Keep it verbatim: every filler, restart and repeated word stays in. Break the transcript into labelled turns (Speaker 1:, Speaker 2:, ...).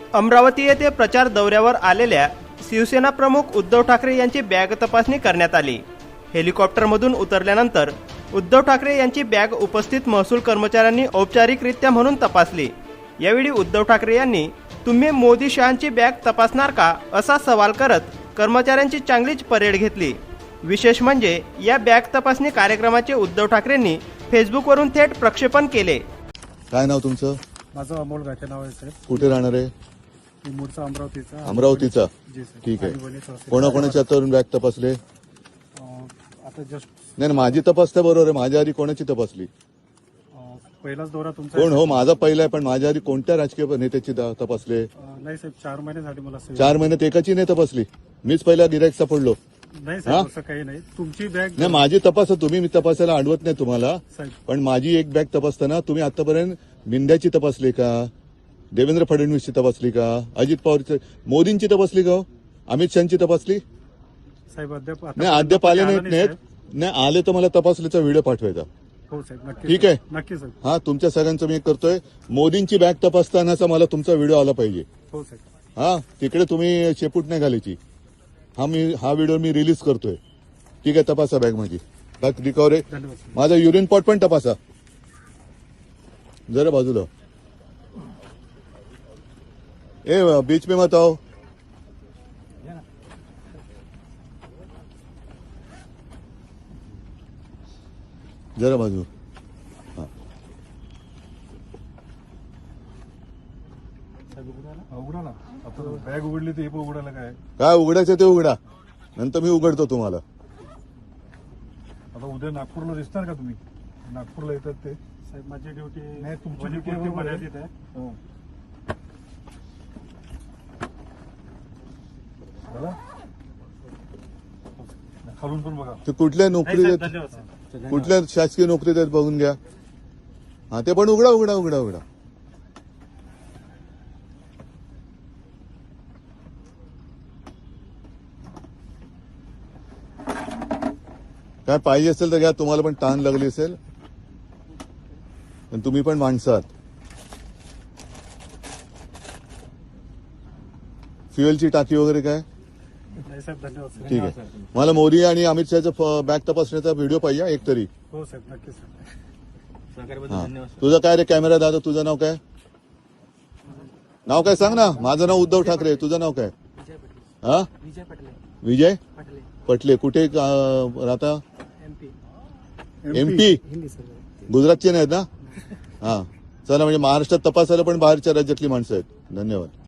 Speaker 1: अमरावती येथे प्रचार दौऱ्यावर आलेल्या शिवसेना प्रमुख उद्धव ठाकरे यांची बॅग तपासणी करण्यात आली। हेलिकॉप्टरमधून उतरल्यानंतर उद्धव ठाकरे यांची बॅग उपस्थित महसूल कर्मचाऱ्यांनी औपचारिकरित्या म्हणून तपासली। यावेळी उद्धव ठाकरे यांनी तुम्ही मोदी शहांची बॅग तपासणार का असा सवाल करत कर्मचाऱ्यांची चांगलीच परेड घेतली। विशेष म्हणजे या बॅग तपासणी कार्यक्रमाचे उद्धव ठाकरेंनी फेसबुकवरून थेट प्रक्षेपण केले।
Speaker 2: काय नाव तुमचं?
Speaker 3: माझं अमोल गाठे नाव आहे साहेब।
Speaker 2: कुठे राहणार आहे?
Speaker 3: मी मूळचा अमरावतीचा।
Speaker 2: अमरावतीचा?
Speaker 3: जी सर।
Speaker 2: ठीक आहे। कोणाकोणाच्या तरुण बॅग तपासले?
Speaker 3: अं, आता जस्ट
Speaker 2: नाही माझी तपासता बरोबर आहे, माझ्या आधी कोणाची तपासली?
Speaker 3: अं, पहिलाच दौरा तुमचा
Speaker 2: कोण हो? माझा पहिला आहे, पण माझ्या आधी कोणत्या राजकीय नेत्याची दा- तपासले?
Speaker 3: अं, नाही साहेब, चार महिने झाले मला सेवा.
Speaker 2: चार महिन्यात एकाची नाही तपासली? मीच पहिला गिरायक सापडलो?
Speaker 3: नाही साहेब, असं काही नाही। तुमची बॅग
Speaker 2: नाही माझी तपासा तुम्ही, मी तपासायला अडवत नाही तुम्हाला,
Speaker 3: साहेब
Speaker 2: पण माझी एक बॅग तपासताना तुम्ही आतापर्यंत मिंद्याची तपासली का? देवेंद्र फडणवीसची तपासली का? अजित पवारची, मोदींची तपासली का? अमित शहाची तपासली?
Speaker 3: साहेब अद्याप आता-
Speaker 2: नाही अद्याप आले नाहीत
Speaker 3: आला नाही
Speaker 2: नाहीत
Speaker 3: साहेब।
Speaker 2: नाही आले तर मला तपासलीचा व्हिडिओ पाठवायचा।
Speaker 3: हो साहेब, नक्की
Speaker 2: ठीक
Speaker 3: साहेब,
Speaker 2: आहे।
Speaker 3: नक्की साहेब।
Speaker 2: हा तुमच्या सगळ्यांचं मी एक करतोय, मोदींची बॅग तपासतानाचा मला तुमचा व्हिडिओ आला पाहिजे।
Speaker 3: हो साहेब।
Speaker 2: हा तिकडे तुम्ही शेपूट नाही घालायची। हा मी हा व्हिडिओ मी रिलीज करतोय। ठीक आहे, तपासा बॅग माझी, बॅग रिकवर आहे।
Speaker 3: धन्यवाद साहेब।
Speaker 2: माझा युरिन पॉट पण तपासा जरा बाजूला। ए बीच में मत आओ। जरा बाजू। हा
Speaker 3: उघडा ना, आता बॅग उघडली तर हे पण उघडायला काय?
Speaker 2: काय उघडायचं ते उघडा, नंतर मी उघडतो तुम्हाला।
Speaker 3: आता उद्या नागपूरला दिसणार का तुम्ही? नागपूरला येतात ते साहेब। माझी ड्युटी नाही, तुमची ड्युटी मर्यादित आहे। हो खालून पण बघा।
Speaker 2: ते कुठल्या नोकरी देत,
Speaker 3: धन्यवाद साहेब।
Speaker 2: कुठल्या शासकीय नोकरी देत बघून घ्या। हा ते पण उघडा उघडा उघडा उघडा। काय पाहिजे असेल तर घ्या, तुम्हाला पण ताण लागली असेल, पण तुम्ही पण माणसात। फ्युएलची टाकी वगैरे काय?
Speaker 3: नाही साहेब, धन्यवाद साहेब।
Speaker 2: ठीक आहे। मला मोदी आणि अमित शहाचा बॅग तपासण्याचा व्हिडिओ पाहिजे एक तरी।
Speaker 3: हो साहेब, नक्की साहेब।
Speaker 2: हा. तुझं काय रे कॅमेरा दादा, तुझं नाव काय? नाव काय सांग ना। माझं नाव उद्धव ठाकरे, तुझं नाव काय? हा
Speaker 4: विजय पटले
Speaker 2: विजय
Speaker 4: पटले
Speaker 2: पटले। कुठे अं, राहता?
Speaker 4: MP
Speaker 2: MP?
Speaker 4: हिंदी सर।
Speaker 2: गुजरातचे नाहीत ना? हा चला, म्हणजे महाराष्ट्रात तपासायला पण बाहेरच्या राज्यातली माणसं आहेत। धन्यवाद।